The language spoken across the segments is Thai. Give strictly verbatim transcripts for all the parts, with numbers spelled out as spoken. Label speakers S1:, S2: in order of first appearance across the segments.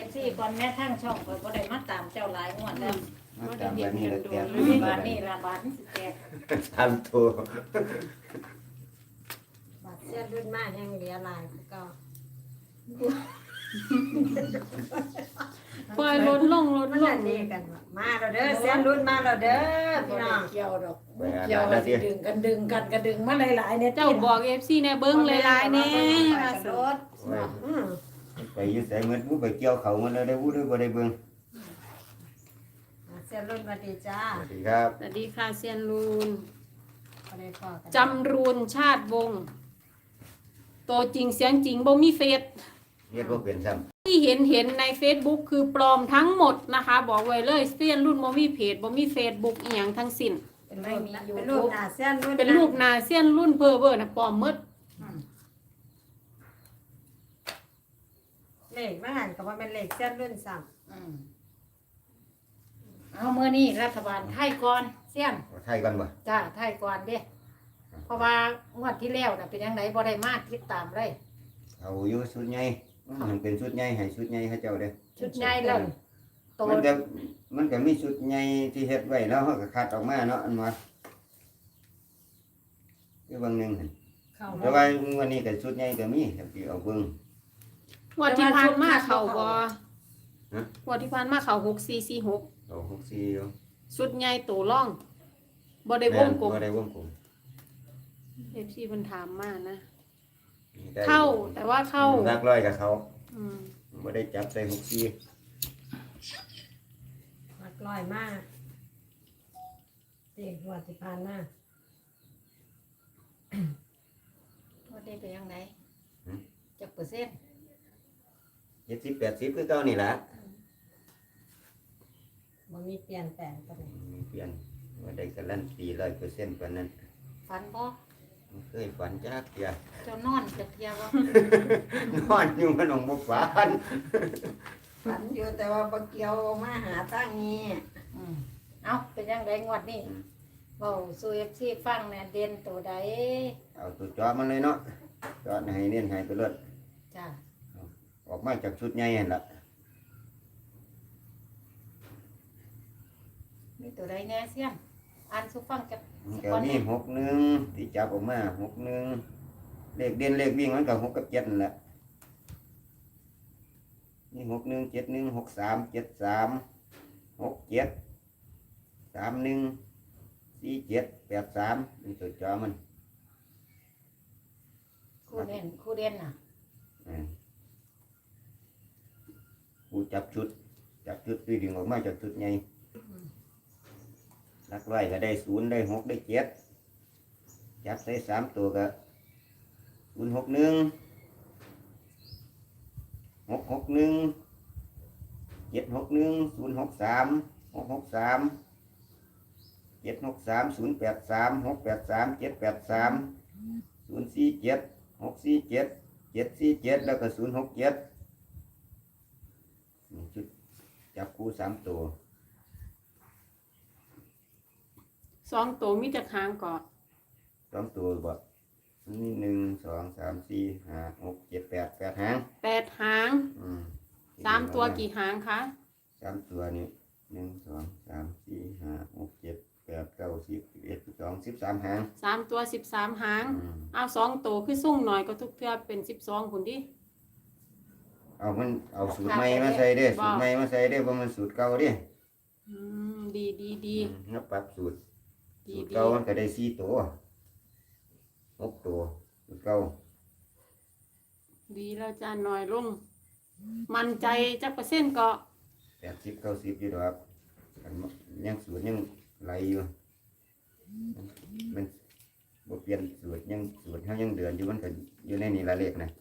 S1: ซีก่อนแม่ทั้งช่องก็บ่ได้มาตามเจ้าหลายงวดแล้ว
S2: มาตามแบบนี้แล้วแตก
S1: บาทนี่ละบาทนี่สิแตก
S2: ทำตัว
S3: บัดเสียรุ่นมาแห่งเหลือหลายก็
S4: ปล่อยลดลงลด
S3: มัน
S4: ล
S3: นั่
S4: ง
S3: นนี่กันว่ามาแล้วเด้อเสียรุ่นมาแล้วเด้อ
S1: บ่
S3: พี่น้
S1: ได้
S3: อง
S1: เกี่ยวดอกเกี่ยวกันสิดึงกันดึงกันก็ดึงมาหลายๆเนี่ย
S4: เจ้าบอก เอฟ ซี แน่เบิ่งหลายๆแน่
S1: มา
S4: ว่า
S1: ส
S4: สิ
S1: รถ
S2: โอ้ย
S3: อืม
S2: ไปอยืดใส่เงินผู้ไปเกี่ยวเขามันเลยได้ผู้ด้วยบ่ได้เบิ่ง
S3: เสียรุ่นมาดีจ้า
S2: สวัสดีครับ
S4: สวัสดีค่ะเซียนรูน
S3: บ่ได้พอกัน
S4: จำรูนชาติวงศ์ตัวจริงเสียงจริงบ่มีเฟซ
S2: เฮ็ดบ่เป็นซ้ำ
S4: ที่เห็นเห็นใน Facebook คือปลอมทั้งหมดนะคะ บอกไว้เลยเซียนรุ่นบ่มีเพจบ่มี Facebook อีหยังทั้งสิ้น
S1: เป็นไม่มีอยู่
S3: เป็นรูปหน้าเสียรุ่น
S4: เป็นรูปหน้าเซียนรุ่นเพ้อเบ้อนะปลอมหมด
S3: เลขมาหันก็ว่าเป็นเลขเสียรุ่นซ้ำ
S1: อืมเอามื้อนี้รัฐบาลไทยก่อนเสี่ยน
S2: ไทยกันบ่
S1: จ้าไทยก่อนเด้เพราะว่างวดที่แล้วน่ะเป็นจังไดบ่ได้มาติดตามเลย
S2: เอาอยู่ชุดใหญ่มันเป็นชุดใหญ่ให้ชุดใหญ่เขาเจ้าเด้อ
S1: ชุดใหญ่เลยโต
S2: มันก็มันก็มีชุดใหญ่ที่เฮ็ดไว้แล้วเขาก็คัดออกมาเนาะอันว่าคือบางหนึงหั่น
S3: เข้า
S2: แต่ว่าวันนี้ก็ชุดใหญ่ก็มีครับที่เอาเบิ่ง
S4: งวดที่ผ่านมาเขาบ่
S2: ฮะ
S4: งวดที่ผ่านมาเขาหกสี่สี่หก
S2: เอาหกสี่อยู่
S4: ชุดใหญ่ตัวร่องบ่ได้วงกลม
S2: บ่ได้วงกลม
S4: เอฟซีเพิ่นถามมานะ
S2: ได้
S4: เข้าแต่ว่าเข้า
S2: รักร้อยกับเขา
S4: อืม
S2: บ่ได้จับใส่หกสี่
S3: มักลอยมากตีหัวที่ผ่านมา
S1: วันนี้เป็นจังไดจักเปอร์เซ็นต์
S2: เจ็ดสิบแปดสิบคือเก่านี่ล่ะ
S3: บ่มีเปลี่ยนแปลงปานใด
S2: มีเปลี่ยนว่าได้การันตีร้อยเปอร์เซ็นต์ปานนั้น
S1: ฝันบ่
S2: บ่เคยฝันจักเที่ย
S1: เจ้านอนจักเที่ยบ่
S2: นอนอยู่มันองบ่ฝัน
S3: ฝันอยู่แต่ว่าบ่เกี่ยวมาหาตั้งนี้
S1: อืมเอาเป็นจังไดงวดนี้เว้าสู่ เอฟ ซี ฟังแหน่เด่นตัวใด
S2: เอาตัวจอมันเลยเนาะจอให้เน้นให้ไปเลย
S1: จ้า
S2: ออกมาจากชุดใหญ่หั่นล่ะ
S1: มีตัวใดแน่เสี่ยงอ่านสู่ฟังจัก
S2: มัน
S1: สัก
S2: ก็
S1: ก่อน
S2: มี
S1: นี่
S2: หกหนึ่งที่จับออกมาหกหนึ่งเลขเด่นเลขวิ่งมันก็หกกับเจ็ดนั่นแหละนี่หกหนึ่งเจ็ดหนึ่งหกสามเจ็ดสามหกเจ็ดสามหนึ่งสี่เจ็ดแปดสามนี่ตัวจอมัน
S1: คู่เด่นคู่เด่นน่ะ
S2: อืมกูจับชุด จับชุดตีดึงออกมาจากชุดใหญ่ลักไว้ก็ได้ศูนย์ได้หกได้เจ็ดจับใส่สามตัวก็ศูนย์หกหนึ่งหกหกหนึ่งเจ็ดหกหนึ่งศูนย์หกสามหกหกสามเจ็ดหกสามศูนย์แปดสามหกแปดสามเจ็ดแปดสามศูนย์สี่เจ็ดหกสี่เจ็ดเจ็ดสี่เจ็ดแล้วก็ศูนย์หกเจ็ดนี่ชุดจับคู่สามตัว
S4: สองตัวมีจักหางก่อน
S2: สองตัวบ่นี่หนึ่งสองสามสี่ห้าหกเจ็ดแปดแปดหาง
S4: แปดหาง
S2: อืม
S4: สามตัวกี่หางคะ
S2: สามตัวนี่หนึ่งสองสามสี่ห้าหกเจ็ดแปดเก้าสิบสิบเอ็ดสิบสองสิบสามหาง
S4: สามตัวสิบสามหาง
S2: อืม
S4: เอาสองตัวคือสุ่งหน่อยก็ทุกเทื่อเป็นสิบสองคุณดิ
S2: เอามันเอาสูตรใหม่มาใส่เด้สูตรใหม่มาใส่เด้เพราะมันสูตรเก่าเด้
S4: อืมดีดีดี
S2: อืมแล้วปรับสูตร
S4: ดี
S2: สูตร
S4: ดี
S2: เก่ามันก็ได้สี่ตัวหกตัวสูตรเก่า
S4: ดีแล้วจ้าหน่อยลงมั่นใจจักเปอร์เซ็นต์ก็
S2: แปดสิบเก้าสิบอยู่ดอกอันยังสูตรยังไหลอยู่มันบ่เปลี่ยนสูตรยังสูตรเขายังเดือนอยู่มันก็อยู่ในนี่ละเลขนะ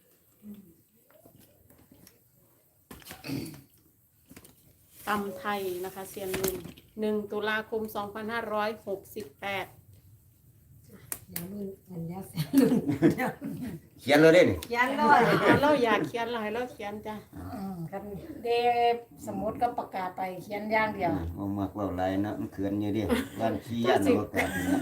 S4: ตำไทยนะคะเซียนลุงหนึ่งตุลาคมสองพันห้าร้อยหกสิบแปด
S3: เดี๋ยวรุ่นอันเดียวเสียรุ่นเดี๋ยว
S2: เขียนเลยเด้นี่
S3: เขียนเลย
S4: เราอยากเขียนเราให้เราเขียนจ้ะ
S1: อืมคันเดสมุดก็ประกาศไปเขียนอย่างเดียว
S2: เอามากเว่าหลายนะมันเขินอยู่ดิวันขี้ยันอากาศนี่นะ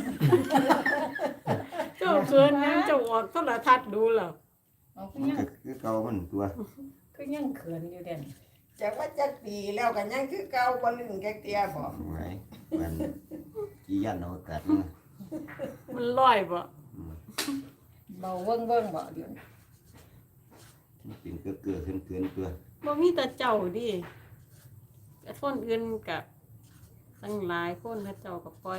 S4: เจ้าเกินนะเจ้าออกโทรทัศน์ดูเหรอ
S1: เอาก็
S2: มัน
S1: ยัง
S2: ก็คือเก่ามันตัว
S1: ก็ยังเขินอยู่เด่น
S3: จากว่าจักปีแล้วกันยังคือเก่าบ่ลึงแกเตียบ่
S2: ไว้มันกี่ยันเอากัดนะ
S4: มันลอยบ่
S2: อืม
S1: เบาเบิ่งเบิ่งบ่เดี๋ยวนี้
S2: มันเป็นเกลือเกลือขึ้นเกลือเกลือ
S4: บ่มีแต่เจ้าดิแต่คนอื่นกับตั้งหลายคนเขาเจ้าก็ปล่อย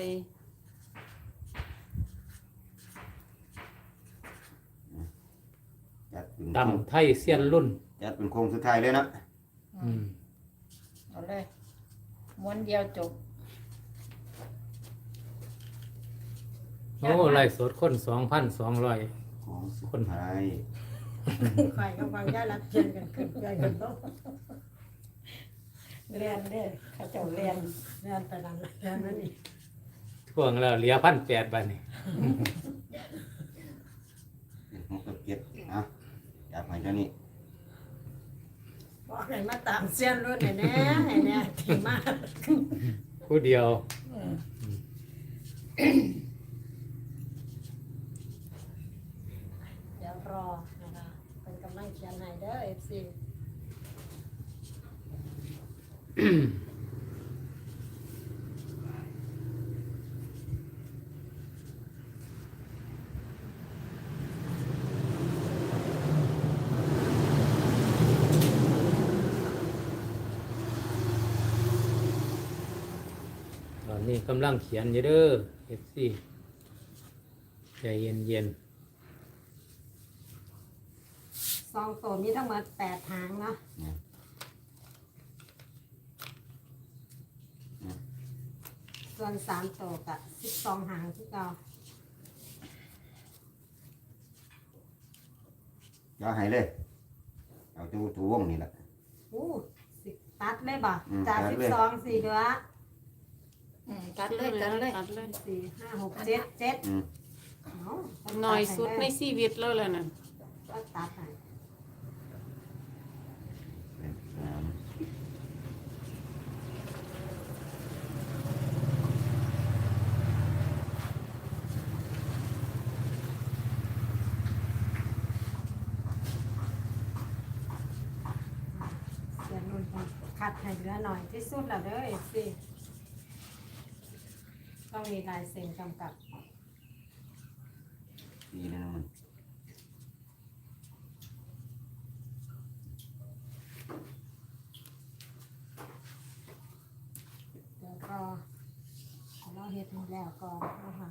S2: จัดเป็น
S5: ตำไทยเซียนรุ่น
S2: จัดเป็นโค้งสุดท้ายเลยนะ
S5: อืม
S1: เอาเลยม้วนเดียวจบ
S5: โอ้ไล่สดคนสองพันสองร้อย
S2: โค้งสุดท้าย
S3: ข่อยกับฟังย่ารับเชิญกันขึ้นใจกันต้อง
S1: เรียนเด้อเขาเจ้าเรียน
S3: เรียนไปนั่นเรียนนั่นนี่
S5: ท่วงแล้วเหลือพันแปดบาทนี่
S2: หกกับเจ็ดอ่ะจับให้เจ้านี้
S3: บอกให้มาตามเสี้ยนรุ่นให้แน่ให้แน่ที่มาก
S5: ผู้เดียว
S3: เดี๋ยวรอนะคะเป็นกำลังเขียนให้เด้อ เอฟ ซี
S5: ตอนนี้กำลังเขียนอยู่เด้อเอฟซีใจเย็นเย็น
S3: ซองโตมีทั้งหมดแปดหางเนาะส่วนสามโตกับสิบสองหางที่เก่า
S2: เจ้าให้เลย เอาตัวตัววงนี่แหละ
S3: อู้สิตัดเลยบ่
S2: อืม
S3: จาก
S2: ตัด
S3: สิบ
S2: เลย
S3: สองสี่เดือน
S1: อืมตัดเลยตัดเลย
S4: ตัดเลย
S3: สี่ห้าหกเจ็ดเจ็ด
S2: อืม
S3: เอา
S4: หน่อยสุดในชีวิตแล้วแหละน่ะ
S3: ก็ตัดให้
S2: เป็นสาม
S3: เสียนุ่นคัดให้เหลือหน่อยที่สุดแล้วเด้อเอฟซีต้องมีลายเซ็นกำกับ
S2: สี่นะมัน
S3: เดี๋ยวรอเราเฮ็ดให้แล้วก่อนนะคะ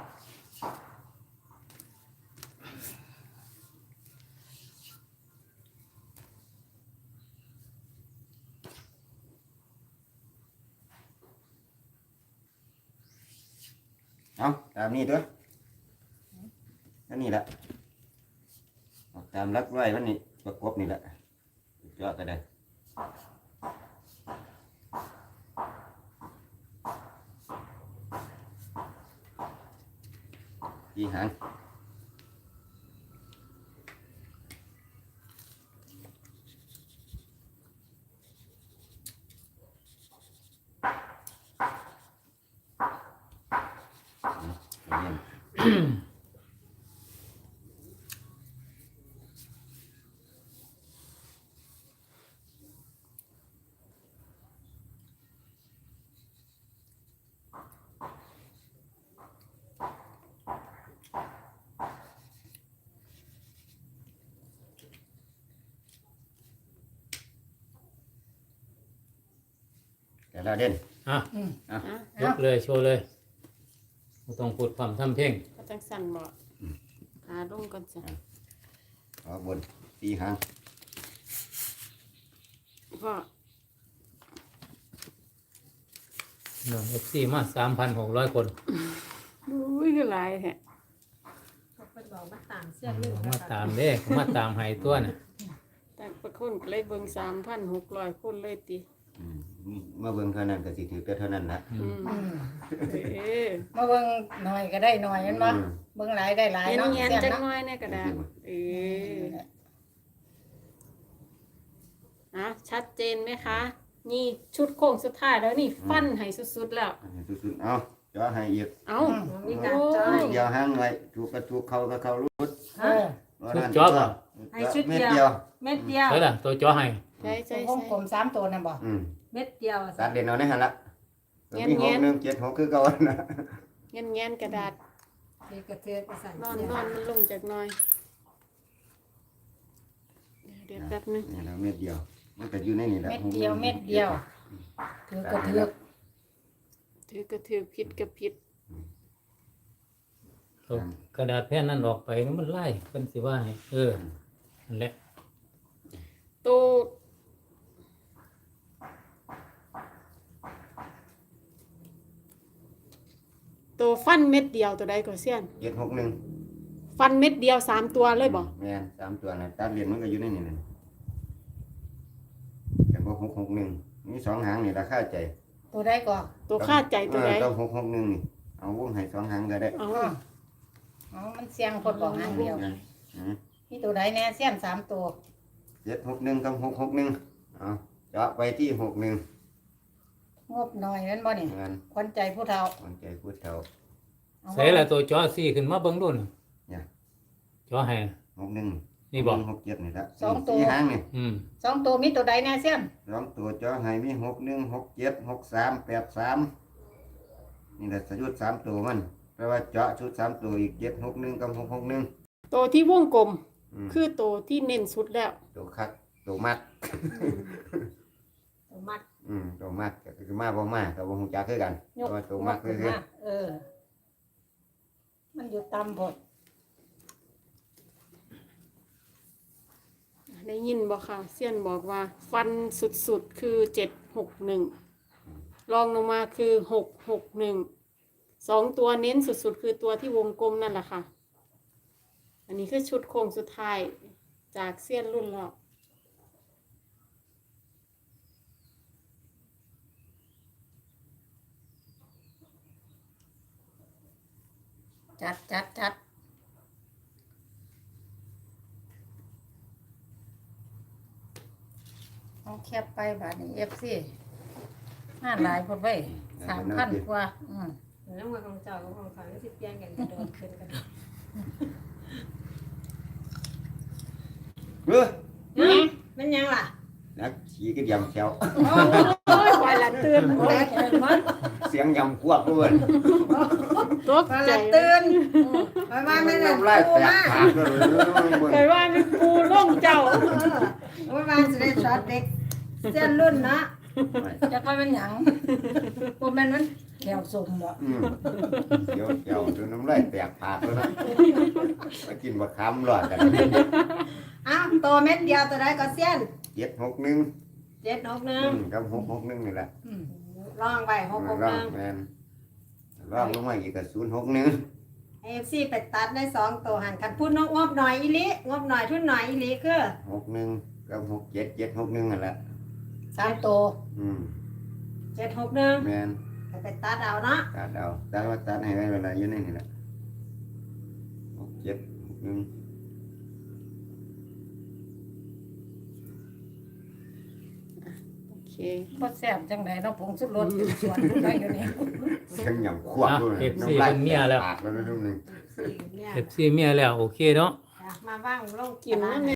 S2: เอาตามนี้ตัวนั่นนี่แหละเอาตามรักไว้วันนี้ประกบนี่แหละเจาะก็ได้กี่หางเรียน แต่ละเด่น
S5: อ่ะ
S2: อ่ะ
S4: อ่ะ
S5: ยกเลยโชว์เลยไม่ต้องพูดความทำเพลง
S4: ก็จังสั่นบ่หาลงก่อนจ้ะ
S2: เอาบนตีหาง
S4: พ่อ
S5: น้องเอฟซีมาสามพันหกร้อยคน
S4: อุ้ยคือหลายแท้
S3: เขาเป็นบอกมาตามเสี้ยนรุ่น
S5: มาตามเด้มาตามให้ตัวน่ะ
S4: แต่ประคนก็เลยเบิ่งสามพันหกร้อยคนเลยติ
S2: อืมมาเบิ่งเท่านั้นก็สิถือแต่เท่านั้นละ
S5: อื
S4: อื
S5: ม
S4: มเอ้ย
S1: มาเบิ่งหน่อยก็ได้หน่อยเห็นบ่
S2: อืม
S1: เบิ่งหลายได้หลาย
S4: เห็น
S1: เนาะ
S4: เงียน
S1: เสีย
S4: จัง
S1: เนาะ
S4: น้อยเนี่ยก็ได้เอ้ยอ่ะชัดเจนไหมคะ นี่ชุดโค้งสุดท้ายแล้วนี่ฟันให้สุดๆแล้ว
S2: อันนี้สุดๆเอาเจาะให้อีก
S4: เอ้า
S3: มีการจอ
S4: โอ้
S3: ย
S2: เดียวหางไว้ถูกก็ถูกเข้าก็เข้ารุด
S1: เออ
S2: ว่านั่น
S5: ชุดเจาะบ่
S3: ให้ชุด
S2: เม็ด
S3: เดี
S2: เดี
S3: ย
S2: ยว ว
S3: เม็ดเดียว
S5: ใช่ล่ะตัวจ่อให้
S2: เ
S4: ใช่ใช่
S1: วง
S4: ใช่
S1: กลมสามตัวนั่นบ่
S2: อืม
S3: เม็ดเดียว
S2: ตัดเด่นเอาในหันละ
S4: แง่น
S2: มีห
S4: แง่
S2: ก
S4: น
S2: หนึ่งเจ็ดหกคือเก่านะ
S4: เงี้ยนเงี้ยนกระดาษ
S3: มีกระเทือกระสัน
S4: นอนนอนมันลงจากหน้อยเดี๋ยวเดี๋ยวแป๊บนึง
S2: นี่แล้วเม็ดเดียว มันก็อยู่ในนี่แหละ
S1: เม็ดเดียวเม็ดเดียวถือกระเทือก
S4: ถือกระถือผิดกับผิด
S5: เอากระดาษแผ่นนั้นออกไปมันไล่เพิ่นสิว่าให้เออนั่นแหละ
S4: ตัวตัวฟันเม็ดเดียวตัวใดก็เสี้ยน
S2: เจ็ดหกหนึ่ง
S4: ฟันเม็ดเดียวสามตัวเลยบ่
S2: แม่นสามตัวนะตัดเด่นมันก็อยู่ในนี่นะแต่พวกหกหกหนึ่งมีสองหางนี่ราคาใจ
S1: ตัวใดก่อน
S4: ตัวคาดใจตัวใด
S2: เออต้องหกหกหนึ่งนี่เอาวงให้สองหางก็ได้
S4: เอา
S1: อ๋อมันเสียงคนบอกหางเดียว
S2: อืม
S1: มีตัวใดแน่เสี้ยนสามตัว
S2: เจ็ดหกหนึ่งกับหกหกหนึ่งเอาเจาะไปที่หกหนึ่ง
S1: งบหน่อยนั่นบ่นี่
S2: เงิน
S1: ควันใจผู้เฒ่า
S2: คนใจพูดเท่า
S1: เอา
S5: ใส่ละตัวจอสี่ขึ้นมาเบิ่งดูน่ะ
S2: เนี่ย
S5: จอให้
S2: หกหนึ่ง
S5: นี่บอก
S2: หกเจ็ดนี่ละ
S1: สองตัว
S2: สี่หางนี่
S5: อืม
S1: สองตัวมีตัวใดแน่เสี้ยน
S2: สองตัวเจาะให้มีหกหนึ่งหกเจ็ดหกสามแปดสามนี่แหละสยุดสามตัวมันแปลว่าเจาะชุดสามตัวอีกเจ็ดหกหนึ่งกับหกหกหนึ่ง
S4: ตัวที่วงกลม
S2: อืม
S4: คือตัวที่เน้นสุดแล้ว
S2: ตัวคักตัวมัด
S3: ตัวมัด
S2: อืมตัวมัดก็คือมาบ่มากับบ่ฮู้จักคือกัน
S1: ย
S2: แต่
S1: ก
S2: ว่าตัว
S1: ง
S2: มัด
S1: บ
S2: คื
S1: ขึ้
S2: อน คือ
S1: มาเออ มันอยู่ต่ำพด
S4: ได้ยินบอกค่ะเซียนบอกว่า ฟันสุดๆคือเจ็ดหกหนึ่งรองลงมาคือหกหกหนึ่งสองตัวเน้นสุดๆ คือตัวที่วงกลมนั่นแหละค่ะ อันนี้คือชุดโครงสุดท้ายจากเซียนรุ่นเรา
S1: จัดจัดจัดเอาแคบไปบาทนี้เอฟซีห้าหลายพดไว้สามพันกว่าอืม
S3: น้ำมันของเจ้ากับของเขาที่เปลี่ยนกันกระโดดขึ้นกัน
S2: เออ
S3: มันยังล่ะ
S2: นักขี่ก็ยำแซว
S4: โอ้ยควายละเตือน
S1: แตกเลยมัน
S2: เสียงยำควบด้วย
S4: ตก
S3: พอ
S4: ใจ
S3: ละตื่นไปว่าไม่ได้
S2: น้ำลาย
S3: ปู
S2: แตก
S3: มา
S2: ปากเลย
S4: เคยว่าเป็นปูล่องเจ้า
S3: เออไปว่าจะได้ช็อตเด็กเส้นรุ่นเนาะ
S1: จะไปเป็นหยังบ่แม่นมันแถวสมบ่
S2: อืมเดี๋ยวเดี๋ยวดูน้ำลายแตกปากแล้วนะมากินบะคำหลอดกัน
S3: อ้าวตัวเม็ดเดียวตัวใดก็เส้น
S2: เจ็ดหกหนึ่ง
S3: เจ็ดหกหนึ่
S2: อื
S3: ง
S2: มกับหกหกหนึ่งนี่แหละ
S1: อืม
S3: ลองไปหกหก
S2: ร่
S3: ห
S2: อง
S3: นึ่ง
S2: แมนร่องลงมาอีกกับศูนย์หกหนึ่ง
S3: เอฟซีไปตัดได้สองตัวหันกันพูดนกงบหน่อยอีลิงบหน่อยทุนหน่อยอีลิคือ
S2: หกหนึ่งกับหกเจ็ดเจ็ดหกหนึ่งนั่นแหละ
S1: สามตัว
S2: อืม
S3: เจ็ดหกหนึ่ง
S2: แมน
S3: ไปตัดเอาเนาะ
S2: ตัดเอาตัดว่าตัดให้ได้เวลาอยู่ในนี่แหละหกเจ็ดหกหนึ่ง
S4: โอเค
S1: บ่แซ่บจังไดเนาะผงสุรสอยู่สวนได้อยู่นี่
S2: เสียงยำควบด้วยน้ำลายแตกปากแล้วนะทุกนึง
S3: สี่เนี่ย
S5: เอฟซีเมียแล้วโอเคเนาะ
S3: มาว่างลง
S4: กินนั่น